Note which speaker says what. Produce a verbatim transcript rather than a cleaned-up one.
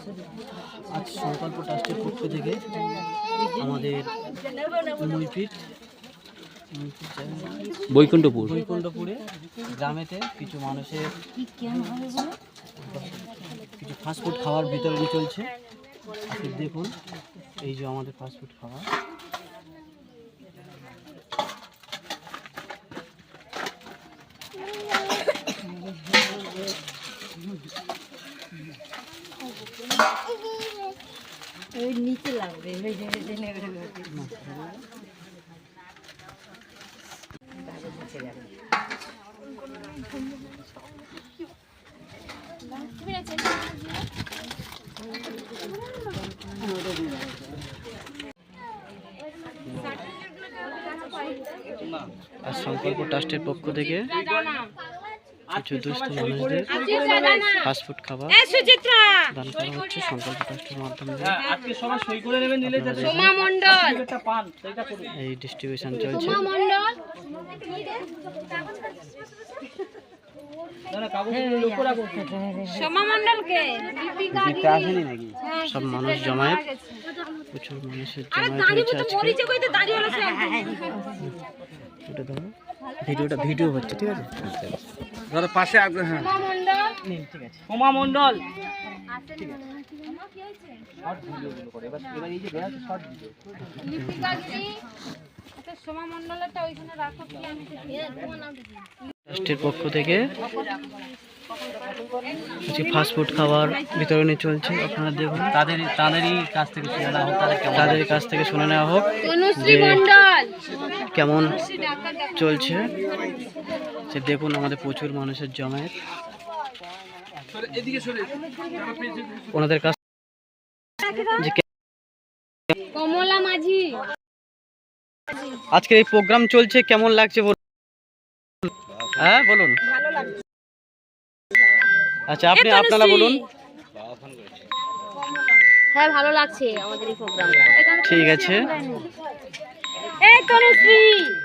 Speaker 1: আজ সংকল্প ট্রাস্টের পক্ষ থেকে আমাদের মইপিট বৈকুণ্ঠপুর বৈকুণ্ঠপুরে গ্রামেতে কিছু মানুষের কিছু ফাস্টফুড খাওয়ার বিতরণ চলছে। আপনি দেখুন, এই যে আমাদের ফাস্টফুড খাওয়া।
Speaker 2: নিচে লাগবে
Speaker 1: আর সংকল্প ট্রাস্টের পক্ষ থেকে কিছু দুস্থ মানুষদের ফাস্টফুড খাবার দান করা হচ্ছে সংকল্প ট্রাস্টের মাধ্যমে। এই ডিস্ট্রিবিউশন চলছে। সব মানুষ জমায়েত, প্রচুর মানুষের জমায়েত হয়েছে আজকে। এটা ধরো, ভিডিওটা ভিডিও হচ্ছে, ঠিক আছে?
Speaker 3: ধরো পাশে আসবে। হ্যাঁ
Speaker 1: ঠিক আছে।
Speaker 3: সোমা মণ্ডল
Speaker 1: ঠিক আছে, শর্ট ভিডিওগুলো করে এবার এবার এই যে দেয়া আছে শর্ট ভিডিও।
Speaker 2: সোমা মণ্ডলটা ওইখানে রাখো কি আমি
Speaker 1: ট্রাস্টের পক্ষ থেকে কিছু ফাস্টফুড খাবার বিতরণী চলছে। আপনারা দেখুন, তাদের তাদেরই কাছ থেকে শুনে নেওয়া হোক, তাদের কাছ থেকে শুনে নেওয়া হোক যে কেমন চলছে। সে দেখুন, আমাদের প্রচুর মানুষের জমায়েত। ওনাদের কাছ যে
Speaker 2: কমলা মাঝি
Speaker 1: আজকের এই প্রোগ্রাম চলছে, কেমন লাগছে বলুন? হ্যাঁ বলুন। আচ্ছা, আপনি আপনারা বলুন।
Speaker 2: হ্যাঁ ভালো লাগছে আমাদের এই প্রোগ্রামটা।
Speaker 1: ঠিক আছে।
Speaker 2: এই তনুশ্রী